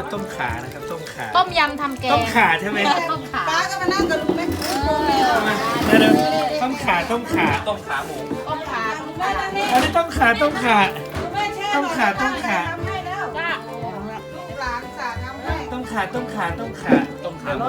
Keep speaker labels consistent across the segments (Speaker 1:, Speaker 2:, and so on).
Speaker 1: นะครับต้มขานะครับต้มขา
Speaker 2: ต้มยำทำแกง
Speaker 1: ต้มขาใช่ไหม
Speaker 2: ต้มขา
Speaker 3: ป้าก็มานั่งกับลุงแม่ลุงแม่
Speaker 1: เดี๋ยวต้มขาต้มขาต้มขาหมู
Speaker 2: ต้มขา
Speaker 3: ลุงแม่นั่งนี่
Speaker 1: อันนี้ต้มขาต้มขา
Speaker 3: ลุงแม่แช่
Speaker 1: ต้มขาต้มขา
Speaker 3: ทำให้แล้ว
Speaker 2: จ้า
Speaker 3: ลูกหลานสาทำให้
Speaker 1: ต้มขาต้มขาต้มขาต้มขาหมู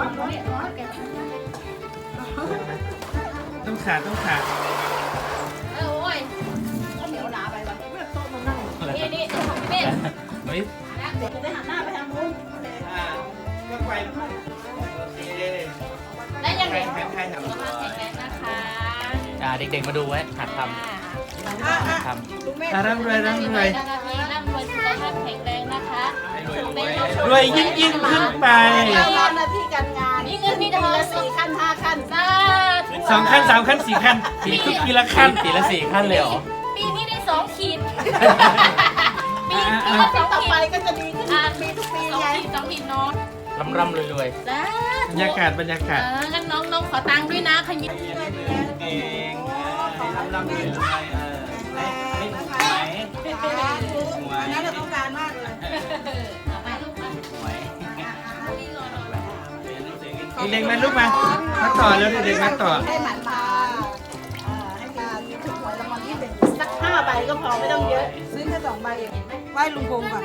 Speaker 1: ต้มขาต้มขา
Speaker 2: โอ้ยข้าวเหนียวหนาไปวะนี่นี่ของพี่เมฆ
Speaker 1: เฮ้ย
Speaker 3: เดี๋ยวไปหันหน้าไปทางนู้น
Speaker 1: ก็ไปโอเค
Speaker 2: ได้ยังไง
Speaker 1: ใครทำ
Speaker 2: กำลังแข็งแรงนะคะ
Speaker 4: เด็กๆมาดูไว้หัดทำหัดท
Speaker 3: ลุงแม่
Speaker 1: ร่ำรวยร่ำรวย
Speaker 2: ร่ำรวยสุขภาพแข็งแรงนะคะส่งเด็ก
Speaker 1: รวยยิ่งยิ่งขึ้นไป
Speaker 3: เราหน้าที่การงาน
Speaker 2: มีเงินมีทอง
Speaker 3: ละ4 ขั้น 5 ขั้น
Speaker 2: สาธุ
Speaker 1: 2 ขั้น 3 ขั้น 4 ขั้นทุกปีละ
Speaker 4: ำ
Speaker 1: ขั้น
Speaker 4: ปีละ4 ขั้นเลยเหรอ
Speaker 2: ปีนี้ได้2 ขีดปีนี้
Speaker 3: ปี
Speaker 2: ก็
Speaker 3: ต่อ
Speaker 2: 2 ขี
Speaker 3: ไป
Speaker 2: ด
Speaker 3: ก็จะดีขึ้นปีทุกปี
Speaker 2: 2
Speaker 3: ไง
Speaker 2: ขีด2 ขีดเนาะ
Speaker 4: ร่ำรวย
Speaker 2: จ้า
Speaker 1: บรรยากาศบรรยากาศ
Speaker 2: งั้นน้องขอตังค์ด้วยนะขยิบ
Speaker 1: เองร่ำรวยรวยไม่ถูกไหม
Speaker 3: อันนั้นเราต้องการมากเลย
Speaker 2: ไปลูกมา
Speaker 1: เด็กๆมาลูกมาต่อแล้วเด็กๆมาต่อ
Speaker 3: ให้หมันมาให้มีถูกหวยรางวัลที่1สัก5 ใบก็พอไม่ต้องเยอะ ซื้อแค่2 ใบเองไหว้ลุงพงก่อน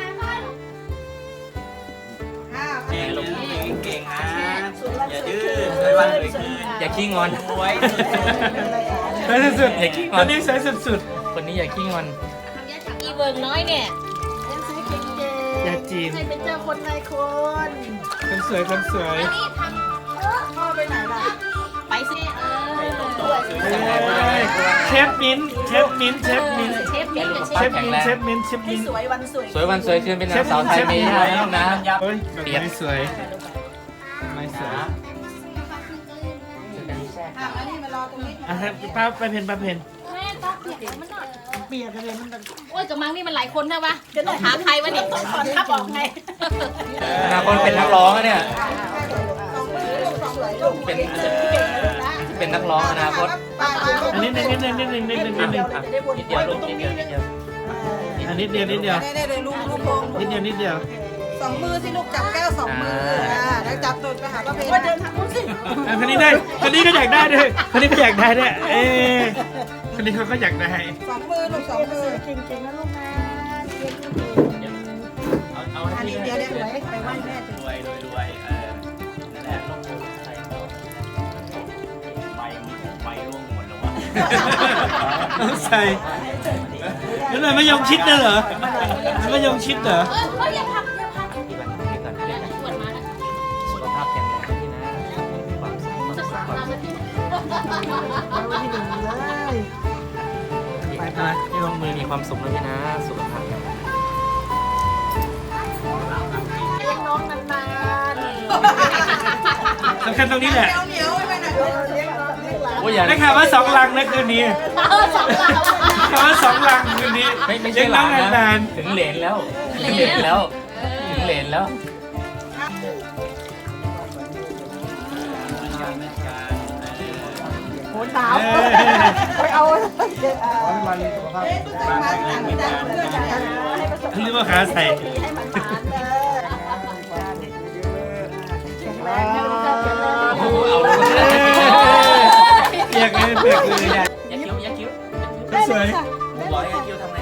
Speaker 1: เก่งลูกเก่งนะ
Speaker 3: อย่าดื้อ
Speaker 4: อย่าขี้งอน
Speaker 1: สวยสุด
Speaker 4: อย่าขี้ง
Speaker 1: ต
Speaker 4: อ
Speaker 1: อน นนี้สวยสุด
Speaker 4: คนนี้อย่าขี้งอน
Speaker 2: อีเวิร์กน้อยเนี่ย
Speaker 3: ซื้อเก่งๆ
Speaker 1: อย่าจีน
Speaker 3: ให้เป็นเจ้าคนนายคน
Speaker 1: คนสวยคนสวย
Speaker 2: อันนี้ท
Speaker 3: พ่อไปไหนล่ะ
Speaker 2: ำไปสิ
Speaker 1: เชฟมิ้นเชฟมิ้นเชฟมิ้น
Speaker 2: เชฟมิ้นกับเช
Speaker 1: เช
Speaker 2: ฟ
Speaker 1: ฟมิ้นเชฟมิ้นเชฟ
Speaker 3: ให้
Speaker 1: มิ้น
Speaker 3: สวยวันสวย
Speaker 4: สวยวันสวยคืนเป็นนางสาวไทยเมย์ได้แล้วนะ
Speaker 1: เฮ้ยไม่สวยไม่สวย
Speaker 3: อันนี้มารอตรงนี้
Speaker 1: อ่ะป้าไปเพนป้าเพน
Speaker 2: แม่ต้องเปียกมันหน่อย
Speaker 3: เปียกกันเลยมัน
Speaker 2: โอ้ยกระมังนี่มันหลายคนใช่ปะจะต้องหาใครวะเนี่ย
Speaker 3: ต้องถอนทับออกไง
Speaker 4: อนาคตเป็นนักร้องอะเนี่ย
Speaker 3: 2 มือลูก2 เลยลูก
Speaker 4: เป็น
Speaker 3: เก่งเลยนะ
Speaker 4: เป็นนักร้องอนาคต
Speaker 1: อันนี้นิดนึงนิดนึงนิดนึงนิดนึง
Speaker 4: นิดเดียวลูกนิดเดียวนิดเดียว
Speaker 1: อันนิดเดียวนิดเดียว
Speaker 3: ได้เลยลูกพง
Speaker 1: นิดเดียวนิดเดียว
Speaker 3: 2 มือสิลูกจับแก้ว2 มือแล้วจับตูดไปหาป้าเพนเดินทางนู้นสิ
Speaker 1: คนนี้ได้คนนี้ก็อยากได้ด้วยคนนี้ก็อยากได้ด้วยเอ๊คนนี้เขาก็อยากได้
Speaker 3: 2 มือลูก2 มือเก่งๆนะลูกนะอันนี้เดี๋ยวเนี่ยไปไหว้แม่
Speaker 1: รวยรวยรวยนั่นแหละลงใส่ใบร่วงหมดแล้ววะต้องใส่นั่นแหละมะยงชิดน่ะเหรอมะยงชิดเหรอ
Speaker 2: เขาอย่าพักอย่าพัก
Speaker 4: ที่บ้านที่ก่อนเรียกนะ
Speaker 2: ชวนมานะ
Speaker 4: สุขภาพแข็งแรงที่นะความสุขความ
Speaker 2: จะ
Speaker 4: สุข
Speaker 2: สาม
Speaker 4: ความ
Speaker 2: เรา
Speaker 4: สุ
Speaker 2: จะ
Speaker 4: ข
Speaker 2: ที่
Speaker 1: ไปมาที่ลงมือ
Speaker 4: มีความสุขนะพี่นะสุขภาพแข็งแรง
Speaker 3: เลี้ยงน้องนาน
Speaker 1: สำคัญตรงนี้แหละ
Speaker 3: ๆเหนียวไปไหนเลี้ยงน้องเลี้ยงหลาน
Speaker 4: โอ้ยอย่า
Speaker 1: ได้ข่าวว่า2 ลังนะคืนนี้
Speaker 2: 2 เรา
Speaker 1: ข่าวว่า2 ลังคืนนี้
Speaker 4: ไม่ใช่หลานนะถึงเหรนแล้วถึงเหรนแล้วถึงเหรนแล้ว
Speaker 3: โหหนาวไปเอามันสุขภาพมาให้ประสบ
Speaker 1: หรือว่าขาใส่
Speaker 3: ให้มันหวานเลยแข็งแรงนะลูกเจ้าแข็งแรง
Speaker 4: โอ้โหเอาเลย
Speaker 1: เปียกเลยเปียกเลย
Speaker 4: อย่าคิ้วอย่าคิ้ว
Speaker 1: สวย
Speaker 4: บอกให้อย่าคิ้วทำไง